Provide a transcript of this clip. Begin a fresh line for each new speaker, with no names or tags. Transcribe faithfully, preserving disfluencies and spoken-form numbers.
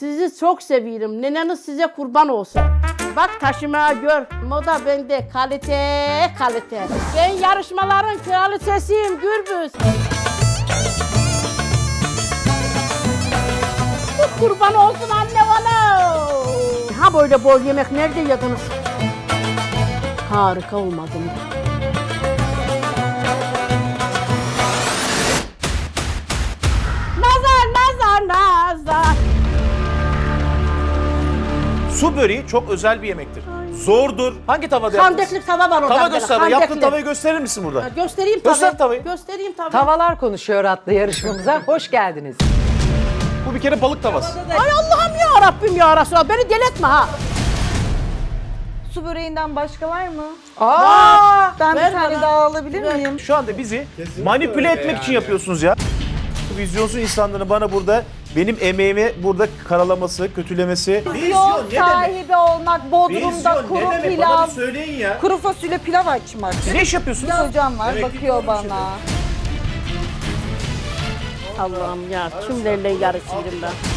Sizi çok seviyorum. Neneniz size kurban olsun. Bak taşıma gör. Moda bende. Kalite, kalite. Ben yarışmaların kraliçesiyim Gürbüz. Bu kurban olsun anne bana. Ha böyle bol yemek nerede yediniz? Harika olmadı mı? Nazar, nazar, nazar.
Su böreği çok özel bir yemektir. Zordur. Hangi tavada yaptınız?
Kandeklik tava var orada.
Tava
böyle,
göster. Yaptığın
kandekli.
tavayı gösterir misin burada?
Ha, Göstereyim tabii.
Göster tavayı.
Göstereyim tabii.
Tavalar Konuşuyor adlı yarışmamıza hoş geldiniz.
Bu bir kere balık tavası.
Ay Allah'ım ya Rabbim ya Resulallah. Beni deletme ha.
Su böreğinden başka var mı?
Aa!
Ben
Ver
bir tane
bana.
daha alabilir
Ver.
miyim?
Şu anda bizi manipüle etmek için yapıyorsunuz ya. Bu vizyonsuz insanların bana burada benim emeğimi burada karalaması, kötülemesi.
Vizyon sahibi olmak, Bodrum'da kuru pilav,
söyleyin ya.
kuru fasulye pilav açmak.
Siz ne iş yapıyorsunuz?
Hocam var, bakıyor bana.
Allah'ım ya kimlerle yarışıyorum ben.